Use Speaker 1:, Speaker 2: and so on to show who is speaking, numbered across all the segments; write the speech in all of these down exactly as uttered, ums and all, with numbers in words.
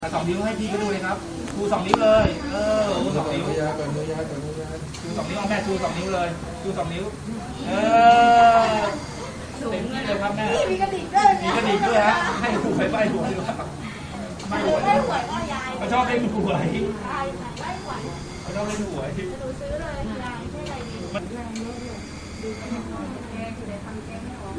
Speaker 1: สองนิ้วให้พี่ก็ดูเลยครับชูสองนิ้วเลย เออชูสองนิ้วชูสองนิ้วเอาแม่ชูสองนิ้วเลยชูสองนิ้วเออเต็มที่เลยครับแม่มีกระดิ่งด้วยมีกระดิ่งด้วยฮะให้หวยไปหวยดีกว่าไม่หวยเขาชอบเล่นหวยเขาชอบเล่นหวยหนูซื้อเลยยายให้อะไรดีแรงเยอะเลยดูแกงแกงคือได้ทำแกงไม่ออก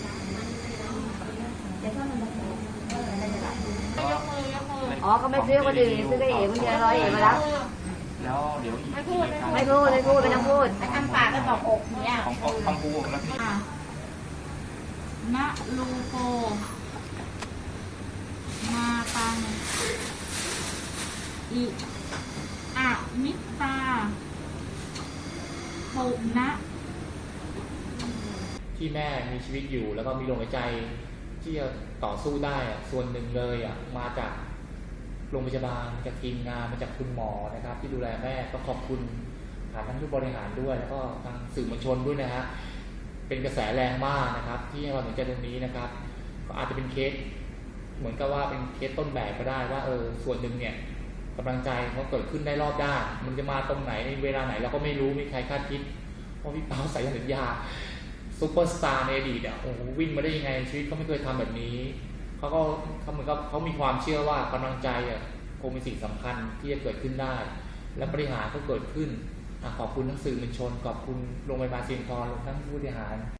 Speaker 1: เดี๋ยวถ้ามันแบบเอออะไรจะยกมือยกมืออ๋อก็ไม่ซื้อก็ดีซื้อก็เอ๋มันเยอะร้อยเอ๋มาแล้ว
Speaker 2: แล้วเดี๋ยว
Speaker 1: ไม่พูด
Speaker 2: ไม่
Speaker 1: พูดไม่พูดไม่ต้องพูด
Speaker 3: ทำปากก็บอกอกเนี่ย
Speaker 2: ของของปูแล้วพี่
Speaker 3: ณลูโกมาตังอิอะมิตาปุณะ
Speaker 2: ที่แม่มีชีวิตอยู่แล้วก็มีลมหายใจที่จะต่อสู้ได้ส่วนหนึ่งเลยอ่ะมาจากโรงพยาบาลมาจากทีมงานมาจากคุณหมอนะครับที่ดูแลแม่ก็ขอบคุณผ่านทั้งผู้บริหารด้วยแล้วก็ทางสื่อมวลชนด้วยนะฮะเป็นกระแสแรงมากนะครับที่ให้ความสนใจตรงนี้นะครับก็อาจจะเป็นเคสเหมือนกับว่าเป็นเคสต้นแบบก็ได้ว่าเออส่วนหนึ่งเนี่ยกำลังใจเขาเกิดขึ้นได้รอบด้านมันจะมาตรงไหนในเวลาไหนเราก็ไม่รู้ไม่มีใครคาดคิดเพราะพี่เปาใส่สัญญาซุปเปอร์สตาร์ในอดีตอ่ะโอ้โหวิ่งมาได้ยังไงชีวิตเขาไม่เคยทำแบบนี้เขาก็เขาเหมือนกับเขามีความเชื่อว่ากำลังใจอ่ะคงเป็นสิ่งสำคัญที่จะเกิดขึ้นได้และปฏิหารย์ก็เกิดขึ้นขอบคุณทั้งสื่อมวลชนขอบคุณโรงพยาบาลเชียงทองทั้งผู้บริหาร